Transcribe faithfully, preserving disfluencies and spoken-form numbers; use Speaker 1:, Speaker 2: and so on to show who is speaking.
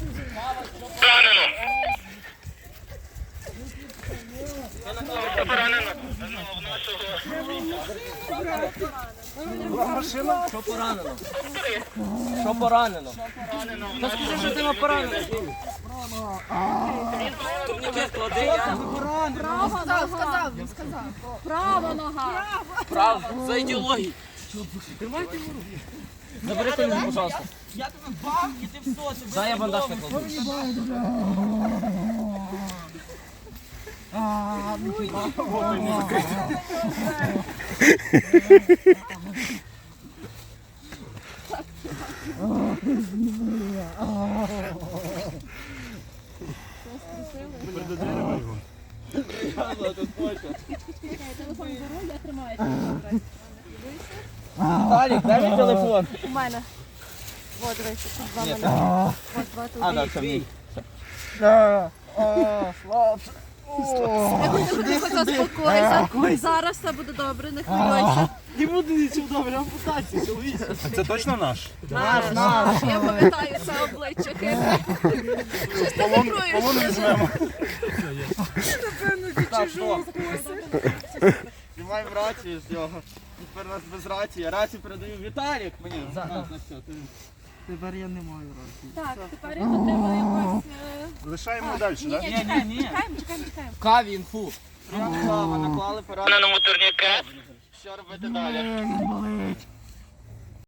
Speaker 1: Поранено. Поранено.
Speaker 2: Машина?
Speaker 3: Що поранено? Що поранено? Та скажи, що тебе поранено. Турнікет клади, я.
Speaker 4: Права нога. Він сказав. Права нога.
Speaker 3: Право, за ідеологію. Тримайте руку. Забери коліно, пожалуйста.
Speaker 5: Я тебе бав, і ти все, ти
Speaker 3: Дай я бандаж накладу.
Speaker 4: Телефон беру, я тримаю.
Speaker 3: Віталік, дай мій телефон.
Speaker 4: У мене. От, дивися, тут два мене. От, два тут.
Speaker 3: А, да, це мій.
Speaker 4: Тихо, заспокойся. Зараз все буде добре, не хвилюйся.
Speaker 2: Не буду нічого добре, ампутація, чоловіче.
Speaker 6: Це точно наш?
Speaker 4: Наш, наш. Я пам'ятаю це обличчя. хитре. Щось ти вибруєш.
Speaker 6: Полон візьмемо.
Speaker 3: Так, що?
Speaker 2: Знімаємо рацію з нього. Тепер у нас без рації. Рацію передаю Віталік мені. На, на все, ти- Тепер я не маю рації.
Speaker 4: Так, тепер його треба якось... е,
Speaker 6: Лишаємо далі,
Speaker 4: Ні,
Speaker 6: так?
Speaker 4: ні, чекаємо, чекаємо, чекаємо, чекаємо.
Speaker 3: Каві, інфу.
Speaker 2: Прямо наклали поранення.
Speaker 1: Пораненому турнікет.
Speaker 2: Що робити далі?